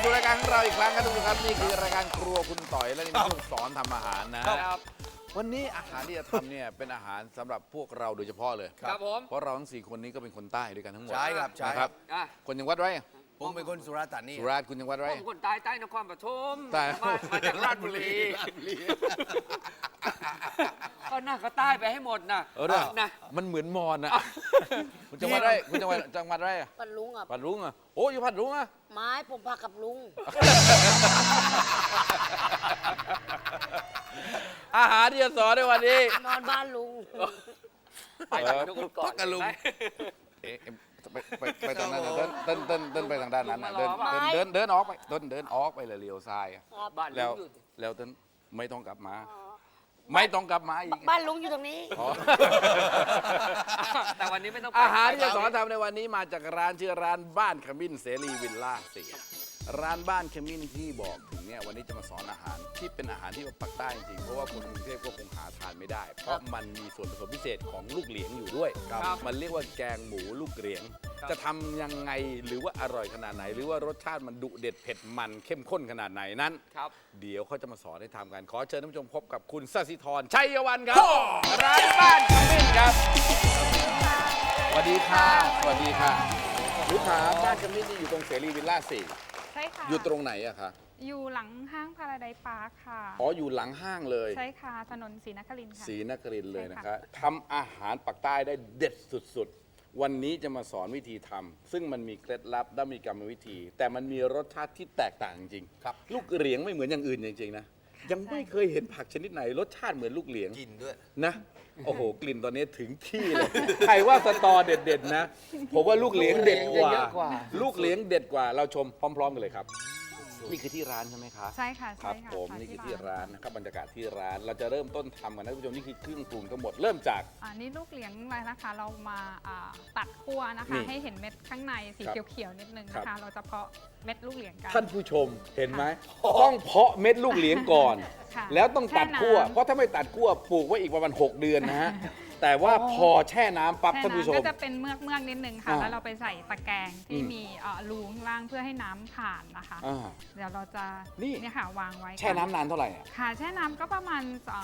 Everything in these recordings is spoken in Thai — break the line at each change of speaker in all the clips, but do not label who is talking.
สู่รายการของเราอีกครั้งครับทุกท่านนี่คือรายการครัวคุณต่อยและนี่เป็นช่วงสอนทำอาหารนะครับวันนี้อาหารที่จะทำเนี่ยเป็นอาหารสำหรับพวกเราโดยเฉพาะเลย
ครับผม
เพราะเราทั้ง4คนนี้ก็เป็นคนใต้ด้วยกันทั้งหมด
ใช่ครับใช่
นะครับ คนจังหวัดไร
ผมเป็นคนสุราษฎร์ธานี
สุราษฎร์คุณจังหวัดไร
ผมคนใต้ใต้นครปฐม
ใต้
มาจากราชบุรีก็น่าก็ใต้ไปให้หมดนะ
นะ มันเหมือนมอนนะคุณจังหวัดไรคุณจังหวัดไรอะ
ปัดลุงอ่ะ
ปัดรุ้งอ่ะโอ้อยู่ปัดรุ้งอ่ะ
ไม้ผมพากับลุง
อาหารที่จะสอนในวันนี้
นอนบ้านลุง
ไปจากทุกคนก่อน
พักกับลุง
เอ๊ะไปตรงนั้นเดินไปทางด้านนั้นนะ
ลุงมารอ
เดินออกไปเดินออกไปเลยเลี้ยวซ้ายอะ
ครับ
บ้าน
แล้ว
ลุงอยู่
แล้วเดินไม่ต้องกลับมา ไม่ต้องกลับมาอีก
บ้านลุงอยู่ตรงนี้
อ๋อ
แต่วันนี้ไม่ต้องไป
อาหารที่จะสอนทำในวันนี้มาจากร้านชื่อร้านบ้านขมิ้นเสรีวิลล่า4ร้านบ้านขมิ้นที่บอกถึงเนี่ยวันนี้จะมาสอนอาหารที่เป็นอาหารที่ปักใต้จริงๆเพราะว่าคนกรุงเทพก็คงหาทานไม่ได้ เพราะมันมีส่วนผสมพิเศษของลูกเหลียงอยู่ด้วยมันเรียกว่าแกงหมูลูกเหลียง จะทำยังไงหรือว่าอร่อยขนาดไหน หรือว่ารสชาติมันดุเด็ดเผ็ดมันเข้มข้นขนาดไหนนั้น
ครับ
เดี๋ยวเขาจะมาสอนให้ทำกัน ขอเชิญท่านผู้ชมพบกับคุณสศิธรชัยวันครับ ร้านบ้านขมิ้นครับสวัสดีค่ะสวัสดีค่ะลูกค้าบ้านขมิ้นนี่อยู่ตรงเสรีวิลล่า4
ใช่ค่ะ
อยู่ตรงไหนอะคะ
อยู่หลังห้างพาราไดซ์พาร์คค่ะ
อ๋ออยู่หลังห้างเลย
ใช่ค่ะ ถนนศรีนครินทร์ค่ะ
ศรีนครินทร์เลยนะ
ใช่
คะ
ค่ะ
ทำอาหารปักใต้ได้เด็ดสุดๆ วันนี้จะมาสอนวิธีทำซึ่งมันมีเคล็ดลับและมีกรรมวิธี แต่มันมีรสชาติที่แตกต่างจริงๆ
ครับ
ลูกเหลียงไม่เหมือนอย่างอื่นจริงๆนะยังไม่เคยเห็นผักชนิดไหนรสชาติเหมือนลูกเหลียง
กินด้วย
นะโอ้โหกลิ่นตอนนี้ถึงที่เลย ใครว่าสตอเด็ดๆนะผมว่าลูกเหลียงเด็ดกว่า
เยอะกว่า
ลูกเหลียงเด็ดกว่าเราชมพร้อม ๆ กันเลยครับ นี่คือที่ร้านใช่ไหมคะ
ใช่ค่ะ
ครับ
ใช่ค่ะ
ผม
ค่ะ
นี่คือที่ร้านนะครับบรรยากาศที่ร้านเราจะเริ่มต้นทำกันนะท่านผู้ชมนี่คือเครื่องปรุงทั้งหมดเริ่มจาก
อันนี้ลูกเหลียงอะไรนะคะ เรามาตัดคั่วนะคะ
นี่
ให้เห็นเม็ดข้างในสี
ครับ
เขียวๆนิดนึง
ครั
นะคะ
บ
เราจะเพาะเม็ดลูกเหลียงกัน
ท่านผู้ชมเห็นไหมต้องเพาะเม็ดลูกเหลียงก่อน
ค่ะ
แล้วต้องตัดคั่ว
แช่น้ำ
เพราะถ้าไม่ตัดคั่วปลูกไว้อีกประมาณ6 เดือนนะฮะแต่ว่าพอแช่น้ำปั๊บ
แช่
ท่านผู้ช
น้ำ
ม
ก็จะเป็นเมือกนิดนึงค่ะ
อ่า
แล้วเราไปใส่ตะแกรงที่
อืม
มีรูข้างล่างเพื่อให้น้ำผ่านนะคะ
อ่า
เดี๋ยวเราจะ
นี่
เนี่ยค่ะวางไว้
แช่น้ำนานเท่าไหร่อะ
ค่ะแช่น้ำก็ประมาณ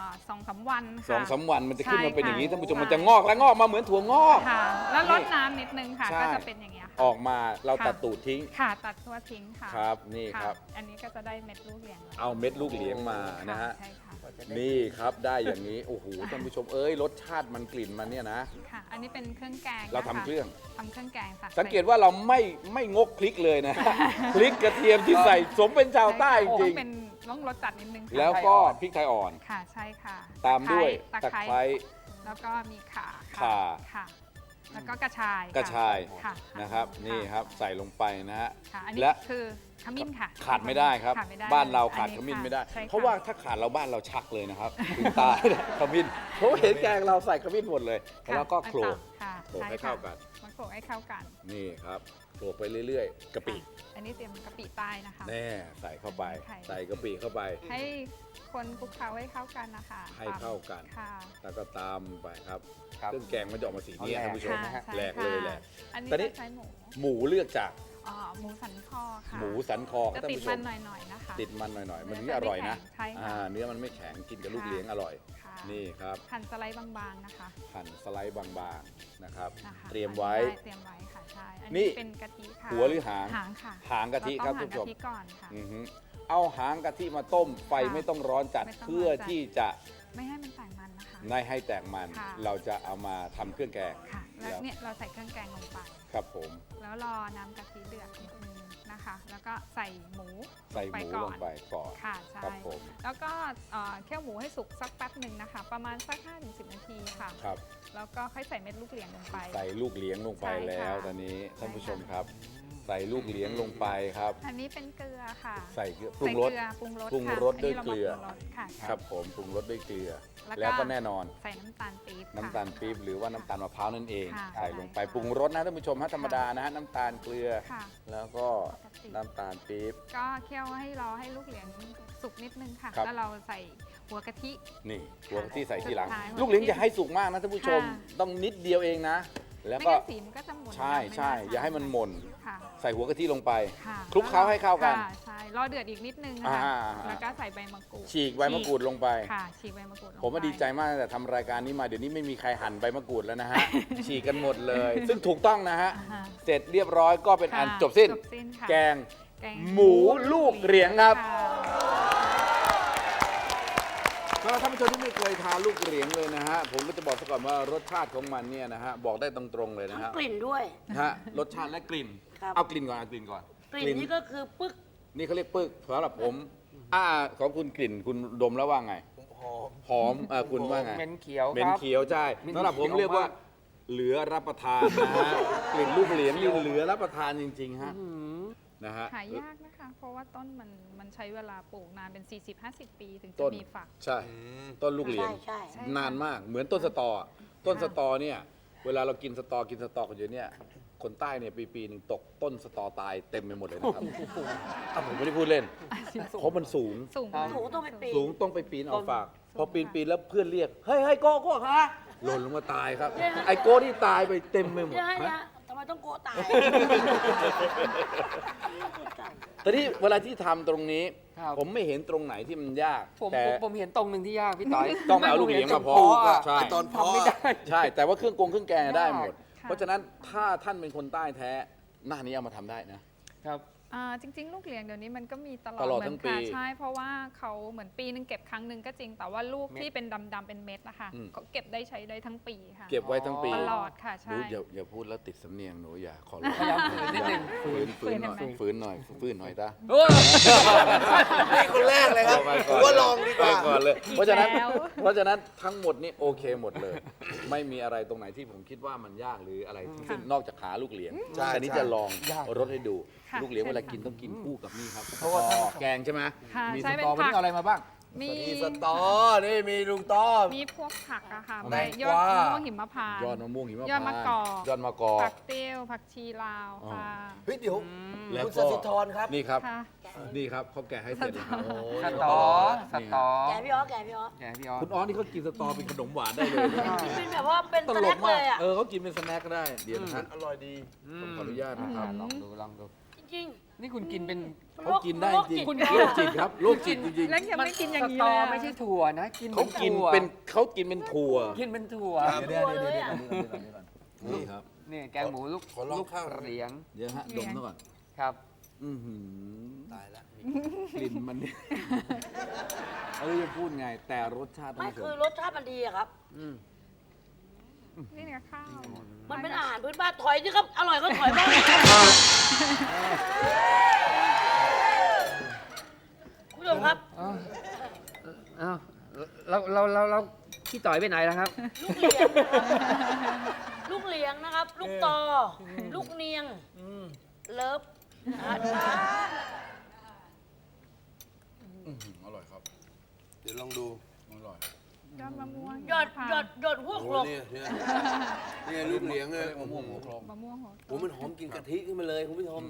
2-3 วันค่ะ
2-3 วันมันจะขึ้นมาเป็นอย่างนี้
ใช่
ท่านผู้ชม
ค่ะ
มันจะงอกและงอกมาเหมือนถั่วงอก
ค่ะ แล้วลด
นี่
น้ำนิดนึงค่ะ
ใช่
ก็จะเป็นอย่างเงี้ยค่ะ
ออกมาเรา
ค่ะ
ตัดตูดทิ้ง
ค่ะตัดทั่วทิ้งค่ะ
ครับนี่
ะ
ครับ
อันนี้ก็จะได้เม็ดลูกเหลียงแล้ว
เอาเม็ดลูกเหลียงมานะฮะ
ใช่ค่ะ
นี่ครับได้อย่างนี้โอ้โหท่านผู้ชมรสชาติมันกลิ่นมันเนี่ยนะ
ค่ะ อันนี้เป็นเครื่องแกง
เราทำ
นะคะ
เครื่อง
ทำเครื่องแกงค่ะ
สังเกตว่าเราไม่งกพริกเลยนะ พริกกระเทียมที่ใส่สมเป็นชาวใต้จ
ต้
ริ
อง งเป็นต้องรสจัดนิดนึงค่ะ
แล้วก็พริกไทยอ่อน
ค่ะใช่ค่ะ
ตามด้วย
ตะ
ตะ
ไคร้
ไคร้
แล้วก็มีข่า
ข่า
ค่ะ แล้วก็กระชาย
กระชาย
ค่ะ
นะครับนี่ครับใส่ลงไปนะฮะ
ค่ะอันนี้
และ
คือขมิ้นค่ะ
ขาดไม่ได้ครับ
ขาดไม่ได้
บ้านเราขาด
อั
ขมิ้นไม่ได้
ใช่ค่
เพราะว่าถ้าขาดเราบ้านเราชักเลยนะครับถึงตายนะขมิ้นเพราะว่าเห็นแกงเราใส่ขมิ้นหมดเลย
ค่ะ
แล้วก็โขลก
ค่ะ
โขลก
ช่
ให้เข้ากัน
ค่ะมาโขลกให้เข้ากัน
นี่ครับโขลกไปเรื่อยๆกะปิ
ค่ะอันนี้เตรียมกะปิใต้นะคะ
แน่ใส่เข้าไป
ไข่
ใส่กะปิเข้าไป
ให้คนคลุกเคล้าให้เข้ากันนะคะ
ให้เข้ากัน
ค่ะ
แล้วก็ตามไปครับ
ครับ
เครื่องแกงมันจะออกมาสีนี้
เอาแหลก
ท่านผู้ชม
ค่ะใช่
แหลกเลยแหลก
อันนี้
ตอนนี้
จะใช้หมู
หมูเลือกจาก
หมูสันคอค่ะ
หมูสันคอครับ
จะ
ท่าน
ติด
ผู้ช
มั
ม
นหน่อยๆนะคะ
ติดมันหน่อยๆ มันถึง
เนื้
จะ
อ
อร่อยนะ
จะไม่แข็งใช่ค่ะ
เนื้อมันไม่แข็งกินกับลูก
ค่ะ
เลี้ยงอร่อย
ค่ะ
นี่ครับ
หั่นสไลด์บางๆนะคะ
หั่นสไลด์บางๆนะครับ
นะคะ
เตรียมไว้
เตรียมไว้ค่ะใช่อัน
นี่
นี้เป็นกะทิค่ะ
หัวหรือหาง
หางค่ะ
หางกะทิครับ
เา
ท่านผู้ช
ต้อง
ม
หั่นกะทิก่อนค่ะ
อือฮึเอาหางกะทิมาต้มไฟ
ค่ะ
ไม่ต้องร้อนจัด
ไม่ต้องร้อนจัด
เพื่อที่จะ
ไม่ให้มันแตกมันนะคะ
ไม่ให้แตกมัน
ค่ะ
เราจะเอามาทำเครื่องแกง
ค่ะ แล้วเนี่ยเราใส่เครื่องแกงลงไป
ครับผม
แล้วรอน้ำกะทิเดือดนิดนึงนะคะ แล้วก็ใส่หมู
ใส่หมูลงไปก่อน
ค่ะใช่
ครับผม
แล้วก็เคี่ยวหมูให้สุกสักแป๊บหนึ่งนะคะ ประมาณสัก 5-10 นาทีค่ะ
ครับ
แล้วก็ค่อยใส่เม็ดลูกเหลียงลงไป
ใส่ลูกเลี้ยงลงไป
ใช่ค่ะ
แล้วตอนนี้ท่านผู้ชม
ใช่ค่ะ
ครับ ใส่ลูกเลี้ยงลงไปครับ
อันนี้เป็นเกลือค่ะ
ใส่เกลือปรุงรส
ใส่เกลือปรุงรส
ปรุง
ค่ะ
รสด้วย
นนี้า
เกลือ
มาปรุงรสค่ะ
ครับผมปรุงรสด้วยเกลือ
แล้ว
แล้วก็แน่นอน
ใส่น้ำตาลปี๊บค่ะ
น้ำตาลปี๊บหรือว่าน้ำตาลมะพร้าวนั่นเอง
ค่ะ
ใส่ลงไป
ใช่ค่ะ
ปรุงรสนะท่านผู้ชมฮะธรรมดานะฮะน้ำตาลเกลือ
ค่ะ
แล้วก็
ปกติ
น้ำตาลปี๊บ
ก็เคี่ยวให้รอให้ลูกเหลียงสุกนิดนึงค่ะ
ครับ
แล้วเราใส่หัวกะทิ
นี่หัวที่ใส่ทีหลัง
สุดท้าย
ลูกเลี้ยงอย่าให้สุกมากนะท่านผู้ชม
ค่ะ
ต้องนิดเดียวเองนะแล้ว
ไม่
ก็
งั้นสีมันก็จะหม่น
ใช่
ไม่
ใช่
น่ทน
อย่าให้มันหม่น
ค่ะ
ใส่หัวกะทิลงไป
ค่ะ
คลุกเคล้าให้เข้ากัน
ค่ะใช่รอเดือดอีกนิดนึงนะ
อ่า
คะ
ๆๆ
แล้วก็ใส่ใบมะกรูด
ฉีกใบมะกรูดลงไป
ค่ะฉีกใบมะกรูดลงไป
ผมว่าดีใจมากตั้งแต่ทำรายการนี้มาเดี๋ยวนี้ไม่มีใครหั่นใบมะกรูดแล้วนะฮะ ฉีกกันหมดเลย ซึ่งถูกต้องนะฮะ
อ่าฮะ
เสร็จเรียบร้อยก็เป็นอัน
ค่ะ
จบสิ้น
ค่ะ
แกง
แกง
หมูลูกเหรียงครับ
ค่ะ
สำหรับท่านผู้ชมที่ไม่เคยทานลูกเหรียงเลยนะฮะ ผมก็จะบอกซะก่อนว่ารสชาติของมันเนี่ยนะฮะ บอกได้ตรงๆเลยนะ
ทั้ง
ฮะ
กลิ่นด้วย
ฮะรสชาติและกลิ่น
ครับ
เอากลิ่นก่อนเอากลิ่นก่อน
กลิ่นนี่ก็คือปึ๊ก
นี่เขาเรียกปึกสำหรับผมของคุณกลิ่นคุณดมแล้วว่าไง หอมคุณว่าไง
เหม็นเขียว
เหม็
คน รับ
เขียวใช่
เหม็น
สำหรับผม
เขียว
เรียกว่า
มาก
เหลือรับประทานนะฮะ กลิ่นลูกเหรียญนี่เหลือรับประทานจริงๆฮะนะฮะ
หายากนะคะ เพราะว่าต้นมันใช้เวลาปลูกนานเป็น 40-50 ปีถึง
ต้
จะ
น
มีฝัก
ใช่ต้นลูกเหรียญ
ใช่
ใช่
นานมากเหมือนต้นสตออะต้นสตอเนี่ยเวลาเรากินสตอกันอยู่เนี่ยคนใต้เนี่ยปีหนึ่งตกต้นสตอตายเต็มไปหมดเลยนะครับผมไม่ได้พูดเล่นเพราะมันสูง
สูง
ครับ
ถูต้องไปปีน
สูงต้องไปปีนเอาฝาก พอปีนแล้วเพื่อนเรียก เฮ้ยโก้คะหล่นลงมาตายครับ ไอ้โก้ที่ตายไปเต็มไปหมด
เนี่ย
ฮะ
ทำไมต้องโกะตาย
แต่ที่เวลาที่ทำตรงนี้
ครับ
ผมไม่เห็นตรงไหนที่มันยาก
ผม
แต่
ผมเห็นตรงหนึ่งที่ยากพี่ต่อย
ต้องเอาลูกเหรียงมาเพาะ
อะ
ใช่
ตอนเพาะ
ทำไม่ได้
ใช่ แต่ว่าเครื่องแกงได้หมด
ค่ะ
เพราะฉะนั้นถ้าท่านเป็นคนใต้แท้หน้านี้เอามาทำได้นะ
ครับ
จริง ๆ ลูกเหลียงเดี๋ยวนี้มันก็มีตลอด
ตลอด
เหมื
ทั้
น
งปี
ค่ะใช่ เพราะว่าเขาเหมือนปีนึงเก็บครั้งหนึ่งก็จริง แต่ว่าลูก
เม็ด
ที่เป็นดำๆเป็นเม็ดนะคะ
อืม
เขาเก็บได้ใช้ได้ทั้งปีค่ะ
เก็บไว้ทั้งปี
ตลอดค่ะ
หนู
ใช่
อย่าพูดแล้วติดสำเนียงหนูอย่าขอร้อง
พยายามฝืนนิดนึง
ฝืนหน่อย
ฝืน
ฝืนหน่อยตา
โอ้ย
นี่คนแรกเลยครับ
ไป
ผมว่าลองดีกว่า
ไปก่อนเลย
อีก
เพราะฉะนั้น
แล้ว
ทั้งหมดนี่โอเคหมดเลย ไม่มีอะไรตรงไหนที่ผมคิดว่ามันยากหรืออะไรที่ซึ่งนอกจากขาลูกเหรียญ
ใช่
อันนี้จะลอง
ยาก
รสให้ดู
ค่ะ
ลูกเหรียญ
ใช่
เวลา
ค่ะ
กินต้องกินคู่กับนี่ครับ
เพราะว่า
แกงใช่ไหม
ค่ะ
มี
ใช่
ส
เป็น
ตอวัน
ผั
นี้
ก
เอาอะไรมาบ้าง
มี
มีสตอ นี่มีลุงต้อม
มีพวกผักอะค่ะ
แต
ใบ
ง
ย
ก
อด
วา
มะม่วงหิมพานต์
ยอดมะม่วงหิมพานต์
ยอดมะกอก
ยอดมะกอก
ผักเตี้ยวผักชีลาว
อ๋อ
ค่ะ
เฮ้ยเดี๋ยว
แล้ว
คุณส
ก็
สิธรครับ
นี่ครับ
ค่ะ
นี่ครับเขาแกะให้เสร็จแล้วครับ
สตอสตอ
แกพี่อ๋อแกพี่อ๋อ
แกพี่ออส
คุณอ้อนี่เขากินสตอเป็นขนมหวานได้เลย
เป็นแบบว่าเป็น
ต
ส
ล
แน็
ก
ค
มา
เล
ก
ยอ่ะ
เขากินเป็นสแน็คก็ได้เดี๋ยวนะฮะ
อร่อยดี
ผมขออนุญาตนะครับ
ลองดู
จริง
นี่คุณกินเป็น
ๆ
เขากินได้จริง
คุณ
โรคจิตครับโรคจิตจริง
แล้วยังไม่กินอย่างนี้
สต
เล
อย
อะ
ไม่ใช่ถั่วนะ กิน
ๆเขากิน
ถั่ว
เป็นถั่ว
กินเป็นถั่ว
เดี๋ยว
นี่ครับ
นี่แกงหมูลูก
ขอลอง
ลูก
ข้าว
เหรียง
เดี๋ยวฮะดมซะก่อน
ครับ
อื้อหือ
ตายแล้ว
กลิ่นมันเนี่ยจะพูดไง แต่รสชาติ
ไม่
ท่านผู้ช
คือ
ม
รสชาติมันดีอะครับ
นี่เนี่ยข้าว
มันเป็นอาหารพื้นบ้านถอยสิครับ อร่อยก็ถอยบ้างคุณผู้ชมครับ
อ้าวเราพี่ต่อยไปไหนแล้วครับ
ลูกเหลียงนะครับ ลูกตอ ลูกเนียง เลิฟนะฮะ
อร่อยครับ
เดี๋ยวลองดู
อร่อย
ยอดมะม่วง
หยอด
หิมพาน
หยอด
ต์
หยอดหัว
โอ้
โขลก
เนี่ยลูกเหลียงเลย
มะม่วงหัวโคลง
มะม่วงหัว
โอ้มันหอมกลินกะทิขึ้นมาเลยคุณผู้ชม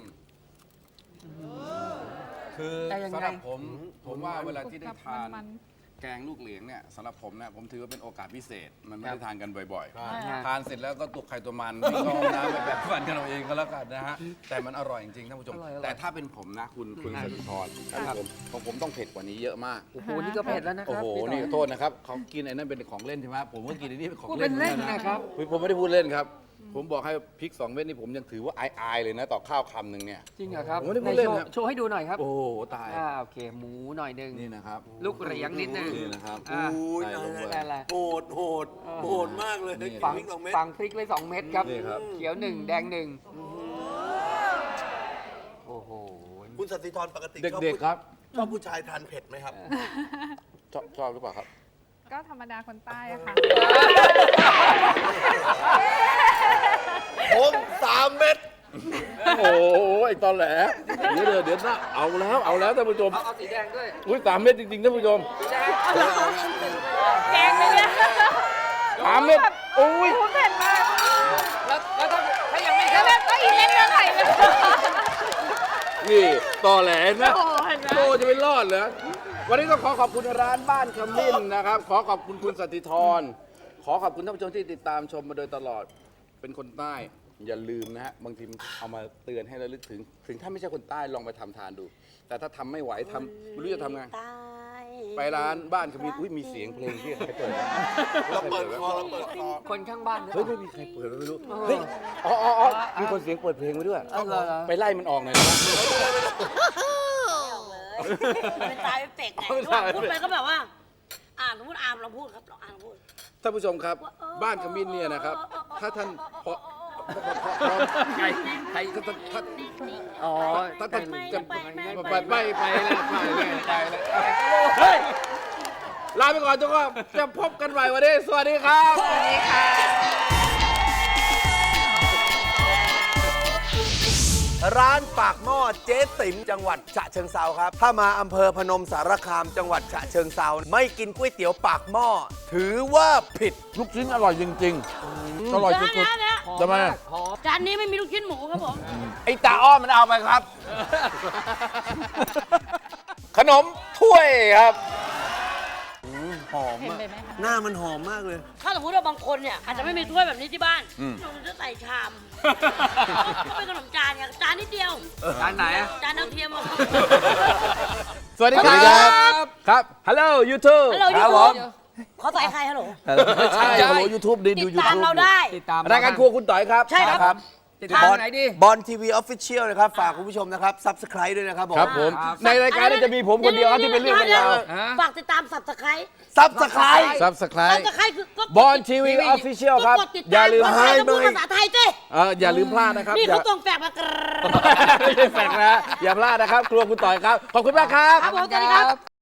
คือ
แต่ยังไง
สำหรับผมว่าเวลาที่ได้ทาน
มัน
แกงลูกเหลียงเนี่ยสำหรับผมนะผมถือว่าเป็นโอกาสพิเศษ มันไม่
ครั
ได้
บ
ทานกันบ่อย
ครับ
ๆ ทานเสร็จแล้วก็ตุกไข่ตัวมันวิ่งเข้าห้องน้ำไปแบบฟันกันเอาเองก็แล้วกันนะฮะ แต่มันอร่อยจริงๆท่านผู้ชม
อร่อย
แต่ถ้าเป็นผมนะคุณสถิธรของผมต้องเผ็ดกว่านี้เยอะมาก
โอ้โห นี่ก็เผ็ดแล้วนะค
โอ้
รับ
โห
พี่ต่อย
นี่โทษนะครับเขากินไอ้นั่นเป็นของเล่นใช่ไหมผมก็กินไอ้นี่เป็นของ
พูด
เล่
เป็น นเล่นนะครับ
ผมไม่ได้พูดเล่นครับ ผมบอกให้พริก2 เม็ดนี่ผมยังถือว่าอายๆเลยนะต่อข้าวคำหนึ่งเนี่ย
จริงเหรอครับ
ผมไม่ได้พูดเล่น
ไห
ครับ
โชว์ให้ดูหน่อยครับ
โอ้โหตาย
โอเค หมูหน่อยหนึง
นี่นะครับ
ลูกเหรียงนิดนึง
นี่นะครับ
อ่า
โอ้ย
ใส่ลงไป
ได้ละ
โหดโหดโหดมากเลย
นี่
ฝัง
พริก2 เม็ด
ฝังพริกเลย2 เม็ดครับ
นี่ครับ
เขียว 1 แดง 1 โอ้โห
คุณสสิธรปกติ
เด็กๆครับ
ชอบผู้ชายทานเผ็ดไหมครับ
ชอบหรือเปล่าครับ
ก็ธรรมดาคนใต้อะค่ะ
ผม3 เม็ด
โอ้โหไอ้ตอนแหลเดี๋ยวนะเอาแล้วท่านผู้ชม
เอาสีแดงด้วย
อุ้ย3 เม็ดจริงๆท่านผู้ชม
สีแดง
แกงเลยเนี่ย
3 เม็ดอุ้ย
เผ็ดมาก
แล้วถ้ายังไม่
แล้วแบบก็อีเล่นเนื้อไข่เลย
นี่ตอแหลนะ
โอ้เห็นไหม
โตจะไม่รอดเหรอวันนี้ต้องขอขอบคุณร้านบ้านขมิ้นนะครับ ขอขอบคุณคุณสติธรขอขอบคุณท่านผู้ชมที่ติดตามชมมาโดยตลอดเป็นคนใต้อย่าลืมนะฮะบางทีเอามาเตือนให้ระลึกถึงถ้าไม่ใช่คนใต้ลองไปทำทานดู แต่ถ้าทำไม่ไหวทำไม่รู้จะทำไง
ตาย
ไปร้านบ้านขมิ้นอุ้ยมีเสียงเพลงที่ใครเปิดนะ
เราเปิดคอเราเปิดคอ
คนข้างบ้าน
เฮ้ยไม่มีใครเปิดไม่รู้เฮ้ยอ๋อมีคนเสียงเปิดเพลงไว้ด้วยไปไล่มันออกหน่อยนะ
เป็นตายเป็นเป็กไงพูดไปก็แบบว่าสมมติอาร์มเราพูดครับเราอาร์มพูด
ท่านผู้ชมครับ บ้านขมิ้นเนี่ยนะครับ ถ้าท่านพอ
ใคร
ถ้า
อ๋อ
ถ้าท่านจะ
ไป
ไปเลยเฮ้ยลาไปก่อนทุกคนจะพบกันใหม่วันนี้สวัสดีครับ
สวัสดีค่ะ
ร้านปากหม้อเจ๊ติ๋มจังหวัดฉะเชิงเซาครับ ถ้ามาอำเภอพนมสารคามจังหวัดฉะเชิงเซาไม่กินก๋วยเตี๋ยวปากหม้อถือว่าผิด
ลูกชิ้นอร่อยจริงๆอร่อยสุด
เดี๋ยว
ๆทำไม
จานนี้ไม่มีลูกชิ้นหมูครับผม
ไอ้ตาอ้อมมันเอาไปครับ ขนมถ้วยครับ
หอมอะหน้ามันหอมมากเลย
ถ้าสมมติว่าบางคนเนี่ยอาจจะไม่มีถ้วยแบบนี้ที่บ้านหนูจะใส่ชามก็เป็นขนมจานไงจานนิดเดียว
ร้านไหนอะ
จานดาวเทียมอะ
สวัสดีครับครับฮัลโหลยูทูบ
ฮัลโหล
ค
ยู
รับ
ทู
ผ
บ
ม
เขาใส่ใครฮัลโหล
ไม่ใช่ฮัลโหลยูทูบดี
ติ
ดู
ด
ยู
ตาม
ทูบ
เราได้
ติดตาม
รายการครัวคุณต่อยครับ
ใช่ครับ
ติดตามไหนดิ
บอลทีวีออฟฟิเชียลนะครับ ฝากคุณผู้ชมนะครับ ซับสไครต์ด้วยนะครับผม
ครับผม ในรายการนี้จะมีผมคนเดียวครับที่เป็นเรื่องเป็นราว
ฝากติดตามสับสไคร
ซับสไครต์
ซับสไคร
สับ
ต์
สไครคือก็
บอลทีวีออฟฟิเชียลครับ
ก็กดติด
อย่า
ตาม
ลืม
ภาษาไทยต้องพูดภาษาไทยสิ
อย่าลืมพลาดนะครับ
นี่
อย่า
เขาตรงแฝกมากร
ไม่ใช่แฟกนะอย่าพลาดนะครับ ครัวคุณต่อยครับ ขอบคุณมากครับ
ครับผมสวัสดีครับ